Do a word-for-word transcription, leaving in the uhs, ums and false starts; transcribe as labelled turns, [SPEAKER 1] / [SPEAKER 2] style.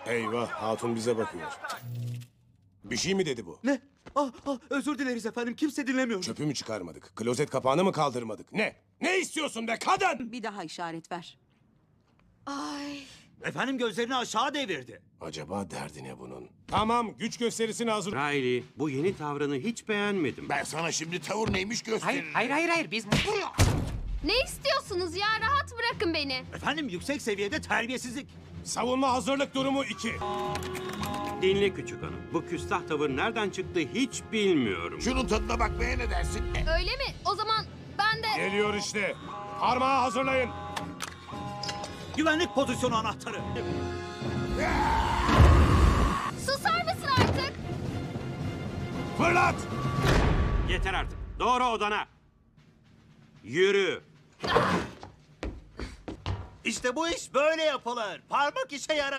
[SPEAKER 1] Eyvah, hatun bize bakıyor. Bir şey mi dedi bu?
[SPEAKER 2] Ne? Ah, ah, özür dileriz efendim. Kimse dinlemiyor.
[SPEAKER 1] Çöpü mü çıkarmadık? Klozet kapağını mı kaldırmadık? Ne? Ne istiyorsun be kadın?
[SPEAKER 3] Bir daha işaret ver.
[SPEAKER 4] Ay.
[SPEAKER 2] Efendim gözlerini aşağı devirdi.
[SPEAKER 1] Acaba derdi ne bunun? Tamam, güç gösterisine hazır.
[SPEAKER 5] Riley, bu yeni tavrını hiç beğenmedim.
[SPEAKER 6] Ben sana şimdi tavır neymiş gösteririm.
[SPEAKER 7] Hayır, hayır, hayır, hayır. Biz
[SPEAKER 4] Ne istiyorsunuz ya? Rahat bırakın beni.
[SPEAKER 2] Efendim yüksek seviyede terbiyesizlik.
[SPEAKER 1] Savunma hazırlık durumu iki.
[SPEAKER 5] Dinle küçük hanım. Bu küstah tavır nereden çıktı hiç bilmiyorum.
[SPEAKER 6] Şunun tadına bakmaya ne dersin?
[SPEAKER 4] Öyle mi? O zaman ben de...
[SPEAKER 1] Geliyor işte. Parmağı hazırlayın.
[SPEAKER 2] Güvenlik pozisyonu anahtarı.
[SPEAKER 4] Susar mısın artık?
[SPEAKER 1] Fırlat!
[SPEAKER 5] Yeter artık. Doğru odana. Yürü.
[SPEAKER 2] İşte bu iş böyle yapılır. Parmak işe yarar.